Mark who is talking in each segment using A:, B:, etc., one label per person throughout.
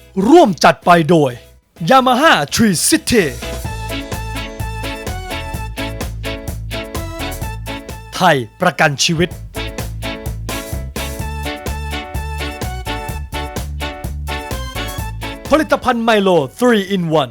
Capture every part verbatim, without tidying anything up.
A: ร่วมจัดไปโดย Yamaha Tree City ไทยประกันชีวิตผลิตภัณฑ์ไมโล ทรี อิน วัน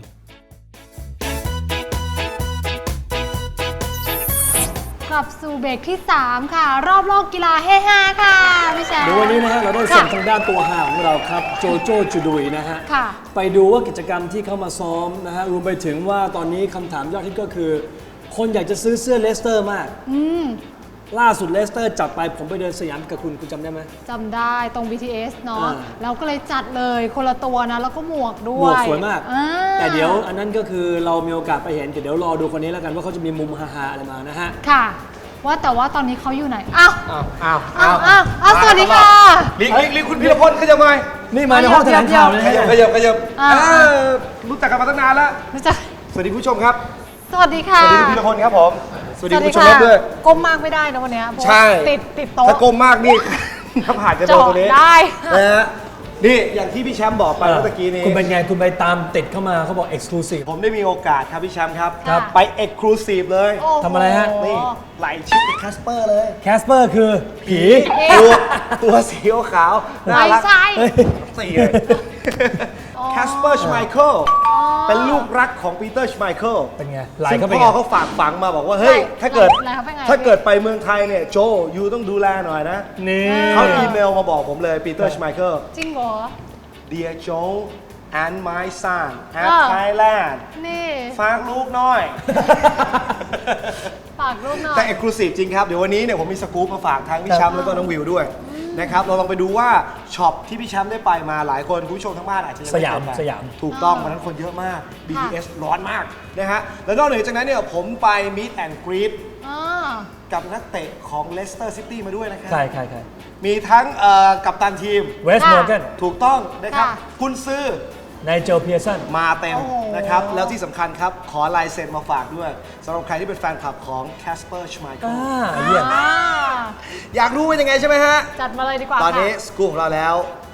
B: กลับสู่เบรกที่ สาม ค่ะ รอบโลกกีฬาเฮฮาค่ะพี่แชมป์
C: เดี๋ยววันนี้นะฮะเราได้ส่งทางด้านตัวหาของเราครับโจโจจูดุยนะฮะ
B: ค่ะ
C: ไปดูว่ากิจกรรมที่เข้ามาซ้อมนะฮะรวมไปถึงว่าตอนนี้คำถามยอดฮิตก็คือ คนอยากจะซื้อเสื้อเลสเตอร์มาก
B: อืม
C: ล่าสุดเลสเตอร์จัดไปผมไปเดินสยามกับคุณคุณจำได้ไหม
B: จำได้ตรง บี ที เอส เนาะ
C: อ่า
B: เราก็เลยจัดเลยคนละตัวนะ แล้วก็หมวกด้
C: หม
B: ว
C: วก
B: ย
C: สวยมาก
B: อ่า
C: แต่เดี๋ยวอันนั้นก็คือเรามีโอกาสไปเห็นเดี๋ยวรอดูคนนี้แล้วกันว่าเขาจะมีมุมฮาๆอะไรมานะฮะ
B: ค่ะ ว่าแต่ว่าตอนนี้เขาอยู่ไหน อ้าว
D: อ้าว
B: อ้าวอ้าวอ้าวสวัสดีค่ะ
D: ลิงลิงลิงคุณพีรพลขยับหน่อย
C: นี่มาในห้องแถลงข่าวเลย
D: ข
C: นะ
D: ยับ
C: ฮะ
D: ขยับขยับ
B: อ่า
D: เออรู้จักกันมาตั้งนานแล้ว
B: รู้จัก
D: สวัสดีผู้ชมครับ
B: สวัสดีค่ะ
D: สวัสดีคุณพีรพลครับผม สวัสดีคุณผู้ชม
B: ค่ะ
D: ด้วย
B: ก้มมากไม่ได้นะวันเนี้ยเพราะว่า
D: ใช่
B: ติดติดโต๊ะ
D: ถ้าก้มมากนี่ ถ้าผ่านจะโดนตรงนี้
B: เจาะได้
D: นะฮะนี่อย่างที่พี่แชมป์บอกไปเมื่อกี้นี้
C: คุณเป็นไงคุณไปตามติดเข้ามาเขาบอกเอ็กซ์คลูซีฟ
D: ผมได้มีโอกาสครับพี่แชมป์ครับ
B: ครับ
D: ไปเอ็กซ์คลูซีฟเลย
B: โอ้โห
C: ทำอะไรฮะ
D: นี่ไหลชิดแคสเปอร์เลย
C: แคสเปอร์คือผี
D: ตัวตัวสีขาวน่า
B: ไม่
D: รัก
B: ใช่
D: สี่เลยแคสเปอร์ชไมเคิลเป็นลูกรักของปีเตอร์ชไมเคิล
C: เป็นไงไหล
D: ซึ่ง
C: เข้าไป
D: พ่
C: ไง
D: อเขาฝากฝังมาบอกว่าเฮ้ย
B: ไหล
D: ถ้าเกิด
B: ไหลเข้าไปไง
D: ถ้าเกิดไปเมืองไทยเนี่ยโจยูต้องดูแลหน่อยนะ
C: นี่
D: เขาอีเมลมาบอกผมเลยปีเตอร์ชไมเคิล
B: จริงเหรอ
D: Dear Joe and my son
B: อ่า
D: at Thailand
B: นี่
D: ฝากลูกหน่อย
B: ฝากรูปหน่อย
D: แต่เอกลูซีฟจริงครับ เดี๋ยววันนี้เนี่ยผมมีสกู๊ปมาฝากทั้งพี่แชมป์แล้วก็น้องวิวด้วยนะครับเราลองไปดูว่าช็อปที่พี่แชมป์ได้ไปมาหลายคนคุณผู้ชมทั้งบ้านอาจจะยัง
C: ส
D: ไม่
C: ยาม
D: เคไป
C: สยาม
D: ถูกต้องวันนั้นคนเยอะมาก บี ที เอส ร้อนมากนะฮะแล้วนอกเหนือจากนั้นเนี่ยผมไป Meet and Greet
B: อ่า
D: กับนักเตะของ Leicester City มาด้วยนะครับ
C: ใช่ใช่ใช่
D: มีทั้งเอ่อกัปตันทีม
C: เวสต์มอร์แกน
D: ถูกต้องนะครับ
B: ค่ะ
D: คุณซื้อ
C: ไนเจลเพียร์สัน
D: มาเต็ม
B: โอ้โห
D: นะครับ แล้วที่สำคัญครับ ขอลายเซ็นมาฝากด้วยสำหรับใครที่เป็นแฟนคลับของ Casper Schmeichel
C: อ่าเยี่ยม
B: อ่า
D: อยากรู้เป็นยังไงใช่ไหมฮะ
B: จัดมาเลยดีกว่า
D: ตอนนี้
B: ค่ะ
D: สกู๊ปของเราแล้ว ไป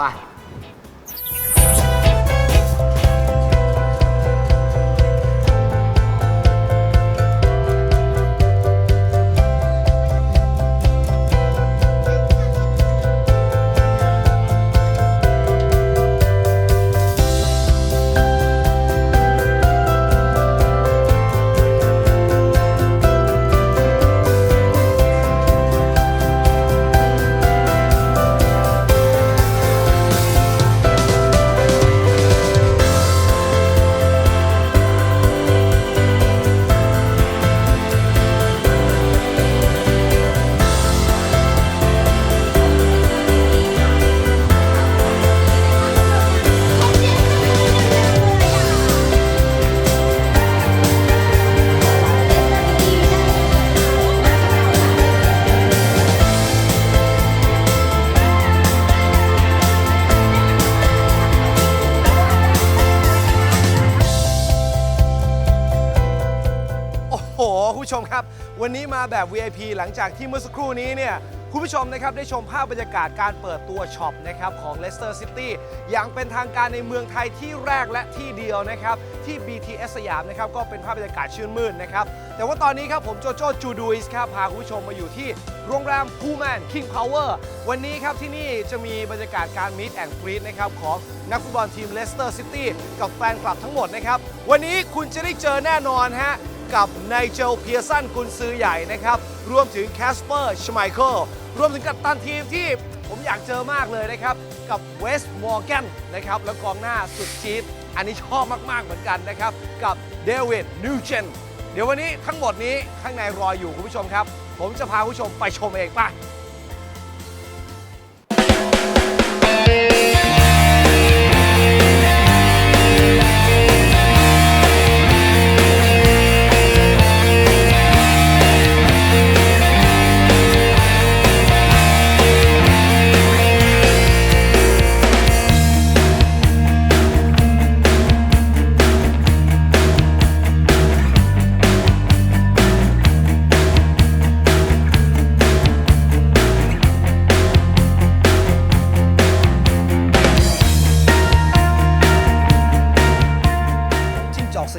D: โอ้โห คุณผู้ชมครับ วันนี้มาแบบ วี ไอ พี หลังจากที่เมื่อสักครู่นี้เนี่ยคุณผู้ชมนะครับได้ชมภาพบรรยากาศการเปิดตัวช็อปนะครับของ Leicester City อย่างเป็นทางการในเมืองไทยที่แรกและที่เดียวนะครับที่ บี ที เอส สยามนะครับก็เป็นภาพบรรยากาศชื่นมื่นนะครับแต่ว่าตอนนี้ครับผมโจโจจูดุยส์ครับพาคุณผู้ชมมาอยู่ที่โรงแรมพูแมน King Power วันนี้ครับที่นี่จะมีบรรยากาศการ Meet and Greet นะครับของนักฟุตบอลทีม Leicester City กับแฟนคลับทั้งหมดนะครับวันนี้คุณจะได้เจอแน่นอนฮะกับไนเจลเพียร์สันกุนซือใหญ่นะครับรวมถึงแคสเปอร์ชไมเคิลรวมถึงกัปตันทีมที่ผมอยากเจอมากเลยนะครับกับเวสต์มอร์แกนนะครับแล้วกองหน้าสุดจี๊ดอันนี้ชอบมาก ๆ เหมือนกันนะครับกับเดวิดนิวเจนเดี๋ยววันนี้ทั้งหมดนี้ข้างในรออยู่คุณผู้ชมครับผมจะพาคุณผู้ชมไปชมเองป่ะ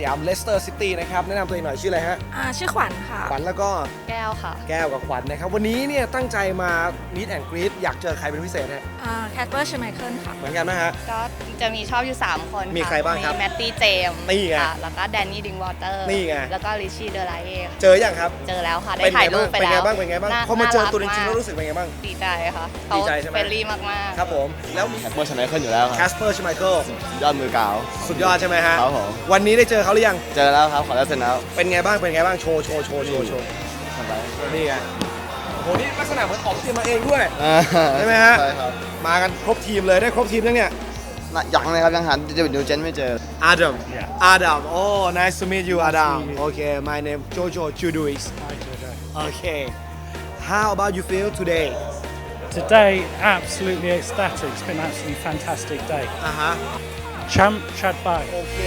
D: ยามเลสเตอร์ซิตี้นะครับแนะนำตัวเองหน่อยชื่ออะไรฮะ
E: อ่าชื่อขวัญค่ะ
D: ขวัญแล้วก็
E: แก้วค่ะ
D: แก้วกับขวัญนะครับวันนี้เนี่ยตั้งใจมา meet and greet อยากเจอใครเป็นพิเศษฮะ
E: อ่าแคทเปอร์ชไมเคิลค่ะ
D: เหมือนกันไหมฮะ
F: ก็จะมีชอบอยู่ สาม คน
D: มีใครบ้างครับ
F: มีแมตตี้เจมส์
D: นี่ไง
F: ค่ะแล้วก็แดนนี่ดิงวอเตอร์
D: นี่ไง
F: แล้วก็ริชี่เดอไลเย่ค่ะ
D: เจอยังครับ
F: เจอแล้วค่ะ ได้
D: เป็นไง
F: ถ่ายรู
D: บ้าง
F: ปไป
D: เป็นไง
F: แล้ว
D: บ้างเป็นไงบ้าง
F: น่
D: พอมาเจอ
F: น่รัก
D: ตัวจริงๆ
F: มาก
D: แล้วรู้สึกเป็นไงบ้าง
F: ดีใจค่ะ
D: ดีใจใช่ไหม
F: เฟรนลี่มากๆ
D: ครับผมแล้วมี
G: แคสเปอร์ชไมเคิลอยู่แล้วค
D: แครับ สเปอร์ชไมเคิล
G: ยอดมือกาว
D: สุดยอดใช่ไหมฮะ
G: ครับผม
D: วันนี้ได้เจอเขาหรือยัง
G: เจอแล้วครับ ขอแล้วเสร็จแล้ว
D: เป็นไงบ้างเป็นไงบ้างโชว์โชว์โชว์โชว์โชว์
G: ทำไร
D: นี่ไงโอ้โหนี่ลักษณะเหมือนออกเตรียมมาเองด้วย
G: อ่า
D: ใช่ไหมฮะ
G: ใช่ครับ
D: มากันครบทีมเลยได้ครบทีมยังเนี่ย
G: น่ะยังเลยครับ ยังหาเดวิดนิวเจนไม่เจอ
D: Adam Adam oh nice to meet you Adam okay my name Jojo Chuduis okay how about you feel today
H: Today, absolutely ecstatic. It's been an absolutely fantastic day.
D: อ่าฮะ
H: Champ Chad Bai.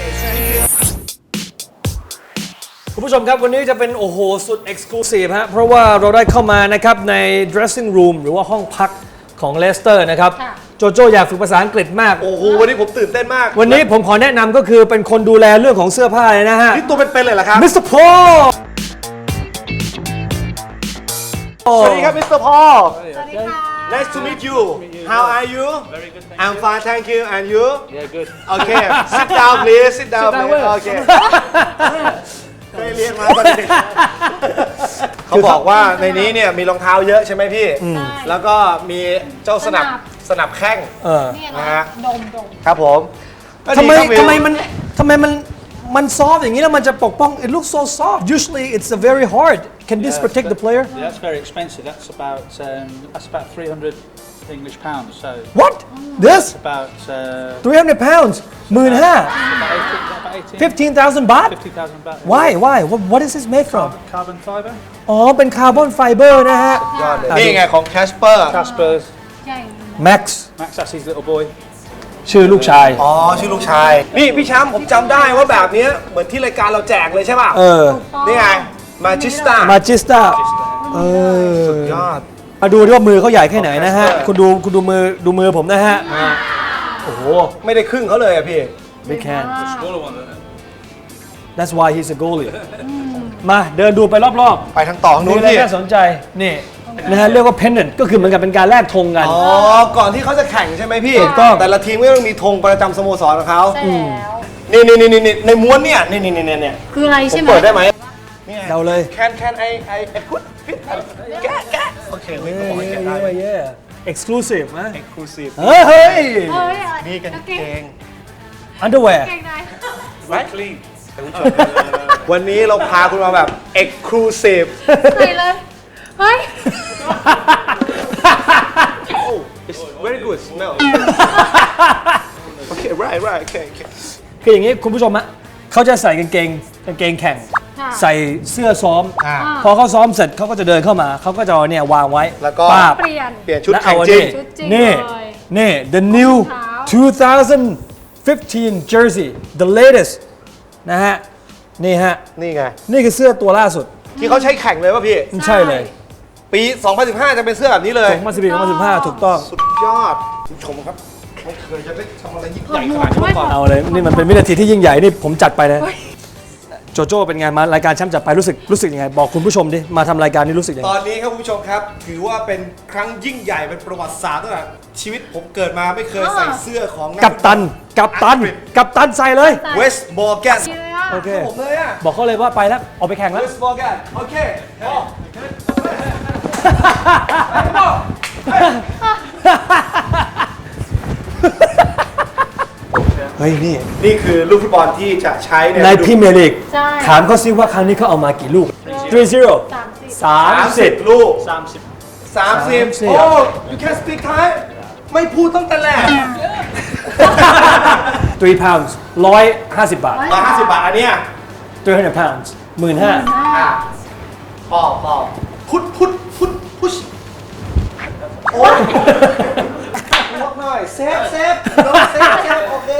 C: คุณผู้ชมครับวันนี้จะเป็นโอ้โหสุด Exclusive ฮะเพราะว่าเราได้เข้ามานะครับใน dressing room หรือว่าห้องพักของเลสเตอร์นะครับ
B: ค่ะ
C: โจโจอยากฝึกภาษาอังกฤษมาก
D: โอ้โหวันนี้ผมตื่นเต้นมาก
C: วันนี้ผมขอแนะนำก็คือเป็นคนดูแลเรื่องของเสื้อผ้าเลยนะฮะ
D: นี่ตัวเป็นๆเลยเหรอครับ
C: มิสเตอร์พอล
D: สวัสดีครับมิสเตอร์พอล
B: สวัสดีค่ะ
D: Nice to meet you How are you
H: Very good, thank
D: I'm fine thank you and you
H: Yeah, good.
D: Okay sit down please sit down please Okay เคยเรียนมาตอนเด็กเขาบอกว่าในนี้เนี่ยมีรองเท้าเยอะใช่ไหมพี่ แล้วก็มีเจ้าสนับสนับแข้ง
C: เออ
B: นี่
D: นะ
B: นะ
D: ฮะ
B: ดมดม
D: ครับผมก็
C: ทำ
D: ดี
C: ไม
D: ครับวิว
C: ทำไมมันทำไมมันมันซอฟอย่างนี้แล้วมันจะปกป้อง It looks so soft Usually it's a very hard Can this protect the player
H: Yeah, that's very expensive. That's about um, that's about three hundred English pounds. So
C: What This
H: about uh,
C: three hundred pounds หมื่นห้า
H: about eighteen, about eighteen,
C: fifteen thousand baht
H: fifty thousand baht.
C: Why why what what is this made from
H: Carbon fibre.
C: อ๋อเป็นคาร์บอนไฟเบอร์นะฮะ
D: ยอดเลยนี่ไงของ Casper
H: Casper's.
B: ใหญ่
C: Max
H: Max, that's his little boy.
C: ชื่อลูกชาย
D: อ๋อชื่อลูกชาย นี่พี่แชมป์ผมจำได้ว่าแบบเนี้ยเหมือนที่รายการเราแจกเลยใช่ป่ะ
C: เออ
D: นี่ไงมาจิสตา
C: มาจิสตาเออย
D: อด
C: มาดูดิว่ามือเขาใหญ่แค่ไหนนะฮะ คุณดูคุณดูมือดูมือผมนะฮะ โอ้โห
D: ไม่ได้ครึ่งเขาเลยอะพี่
C: big hand
H: Smaller one, isn't it?
C: that's why he's a goalie มาเดินดูไปรอบ
D: ไปทางต่อ
C: ๆ
D: นู้
C: มี
D: น
C: อะไร
D: พี่
C: น่าสนใจ นี่นะฮะเรียกว่า pennant ก็คือเหมือนกับเป็นการแลกธงกัน
D: อ๋อ ก่อนที่เขาจะแข่งใช่ไหมพี่
C: ถูกต้อง
D: แต่ละทีมก็ต้องมีธงประจำสโมสรของเขา
B: ใช่แล้ว
D: นี่นี่นี่นี่ในม้วนเนี่ย นี่นี่นี่นี่
B: คืออะไร
D: ผม
B: ใช่ไหม
D: เปิดได้ไหม
C: เราเลย
D: Can can I I I put fit แกะแกะโอเคไม่ต้องให้แกะได้
C: เย้ exclusive นะ
D: Exclusive
C: เฮ้ย
B: เฮ้ย
D: นี่กันเกง
C: underwear
B: เก่งไหน
H: Clean.
D: วันนี้เราพาคุณมาแบบ Exclusive
B: ใส่เลย เฮ้ย
D: Oh it's very good smell Okay right right okay okay
C: คืออย่างนี้คุณผู้ชมฮะเขาจะใส่กางเกงกางเกงแข่ง
B: ค่ะ
C: ใส่เสื้อซ้อม
D: อ่า
C: พอเขาซ้อมเสร็จเขาก็จะเดินเข้ามาเขาก็จะเอาเนี่ยวางไว้
D: แล้วก็
C: ป้าบ
B: เปลี่ยน
D: เปลี่ยนชุด
C: แล้ว
D: แข่
C: เอา
D: ง
C: อัน
D: จริง
C: นี้
B: ชุดจริง
C: นี่
B: เลย
C: นี่ the new
B: รองเท้า
C: twenty fifteen jersey the latest นะฮะ นี่ฮะ
D: นี่ไง
C: นี่คือเสื้อตัวล่าสุด
D: ที่เขาใช้แข่งเลยป่ะพี่
C: ใช่เลย
D: ปีสองพันสิบห้าจะเป็นเสื้อแบบนี้เลย
C: สองพันสิบสี่ สองพันสิบห้าถูกต้อง
D: สุดยอดคุณผู้ชมครับไม่เคยจะได้ทำอะไรยิ่งใหญ่ขนาดนี้มาก่อน
C: เอาเลย นี่มันเป็นวินาทีที่ยิ่งใหญ่ นี่ผมจัดไปนะโจโจ้เป็นไงมารายการแชมป์จัดไปรู้สึกรู้สึกยังไง บอกคุณผู้ชมดิ มาทำรายการนี้รู้สึกยัง
D: ต
C: ไง
D: อนนี้ครับคุณผู้ชมครับ ถือว่าเป็นครั้งยิ่งใหญ่เป็นประวัติศาสตร์ตั้งแต่ชีวิตผมเกิดมาไม่เคยใส่เสื้อของ
C: กัปตัน กัปตัน กัปตันใส่เลย
D: เวสต์มอร์แกน
B: ดีเลยอ่ะ
C: โอเค
D: ผมเลยอ่ะ
C: บอกเขาเลยว่าไปแล้ว ออกไปแข่ง
D: เว
C: แล้ว
D: สต์มอร์แกนโอเคพอ
C: เฮ้ย นี่
D: นี่คือลูกฟุตบอลที่จะใช้ใน
C: ในพรีเมียร์ลีก
B: ใช่
C: ถามเขาซิว่าครั้งนี้เขาเอามากี่ลูก three zero
B: สามสิบ
C: สามสิบ
D: ลูก
H: Samsung.
D: สามสิบ
C: สามสิบ
D: โอ้ you can speak Thai ไม่พูดตั้งแต่แรก
C: three pounds ร้อยห้าสิบบาท
D: ร้อยห้าสิบบาทอันเนี้ย
C: three hundred pounds หมื่นห้า
D: อ่ะพอพอพุทพุทพุทพุชโอ้ยลดหน่อยเซฟเซฟลดเซฟเซฟโอเค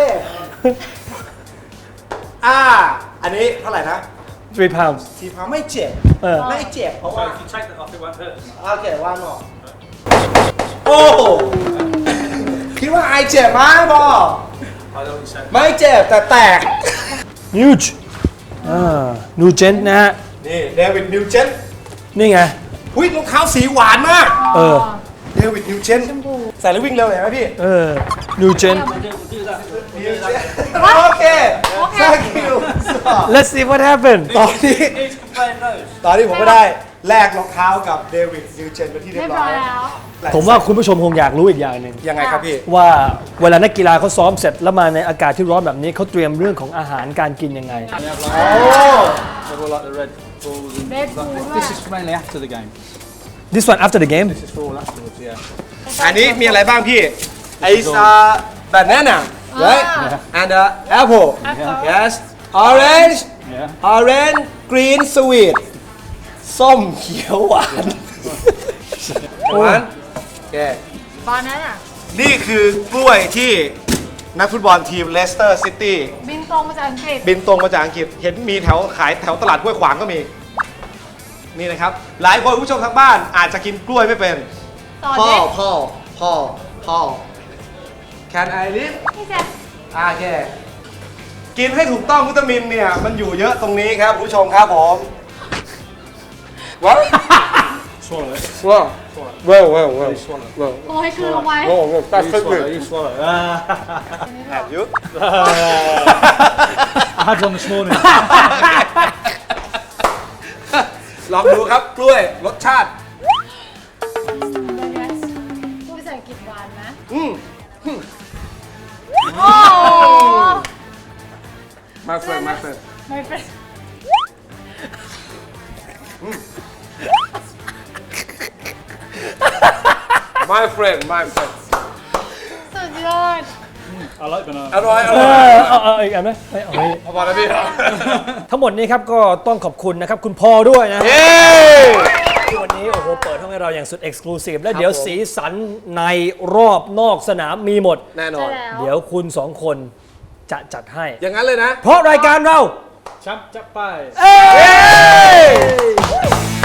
D: อ่า อันนี้เท่าไหร่นะ
C: three pounds
D: ทีพาไม่เจ็บ
C: เออ
D: ไม่เจ็บเพราะว่า
H: If you take that off, it won't hurt.
D: โอเคว่างหนอกโอ้คิดว่าไอเจ็บไหมบอ
H: I know what you're saying.
D: ไม่เจ็บแต่แตก
C: huge อ่านูเจนนะฮะ
D: นี่เดวิดนิวเจน
C: นี่ไง
D: หุ้ยรองเท้าสีหวานมาก
C: เออ
D: เดวิดนิวเจนใส่แล้ววิ่งเร็วเห็นไหมพี่
C: เออนูเจน
D: โอเค thank you
C: let's see what happened
D: ตอนนี้ตอนนี้ผมก็ได้แลกรองเท้ากับเดวิดนิวเจนไปที่เรี
B: เรี
D: ย
B: ย
D: บบ ร้
B: ร้
D: อ
B: อย
D: ย
B: แล้ว
C: ผมว่าคุณผู้ชมคงอยากรู้อีกอย่างหนึ่ง
D: ยังไงครับพี่
C: ว่าเวลานักกีฬาเขาซ้อมเสร็จแล้วมาในอากาศที่ร้อนแบบนี้เขาเตรียมเรื่องของอาหารการกินยังไง
H: They've all like the Red Bulls. And
B: Red
H: that-
B: Bull
H: this
B: ด้วย
H: is mainly after the game.
C: this one after the game
H: This is for all afterwards, yeah.
D: อันนี้มีอะไรบ้างพี่ It's a banana right and a apple yes orange
H: Yeah.
D: orange green sweet ส้มเขียวหวานหวานโอเค
B: ตอนนั้นอ่ะ
D: นี่คือกล้วยที่นักฟุตบอลทีมเลสเตอร์ซิตี้
B: บินตรงมาจากอังกฤษ
D: บินตรงมาจากอังกฤษเห็นมีแถวขายแถวตลาดห้วยขวางก็มี นี่นะครับ หลายคนผู้ชมทางบ้านอาจจะกินกล้วยไม่เป็น
B: ต่อ
D: พ่อ
B: เด็ก
D: พ่อพ่อพ่อ Can I live
B: พี่แจ๊ค
D: อ่าโอเคกินให้ถูกต้องวิตามินเนี่ย มันอยู่เยอะตรงนี้ครับผู้ชมครับผมว้าว
H: Swallow it.
D: ว้าวว้าวว้าวว้าว
H: Swallow.
D: ว้าว
B: โอ้ยคือลงไว้
D: ว้าวว้าวตัด
H: You
D: ขึ้น
H: swallow, you swallow. Ah.
D: แอบยุ
H: I had one this morning.
D: ลองดูครับกล้วยรสชาติ
B: เป็นไงพูดภาษาอังกฤษหวานนะ
D: อืม
B: โอ้
D: มาเฟิร์มาเฟิร์
B: ไม่เป็น
D: my friend my friend
B: สุดยอด
H: I like banana.
D: อร่อยอ
C: เอ
D: ร่อย
C: อเอาเอาอีกอันไหมไม่เอาไม่
D: พอแล้วพี่
C: ทั้งหมดนี้ครับก็ต้องขอบคุณนะครับคุณพ่อด้วยนะ
D: เย้
C: ที่วันนี้โอ้โหเปิดห้องให้เราอย่างสุดเอ็กซ์คลูซีฟและเดี๋ยวสีสันในรอบนอกสนามมีหมด
D: แน่นอน
B: ใช่แล้ว
C: เดี๋ยวคุณสองคนจะจัดให้
D: อย่างนั้นเลยนะ
C: เพราะรายการเรา
H: Champ, chap, bye.
C: เอ้ย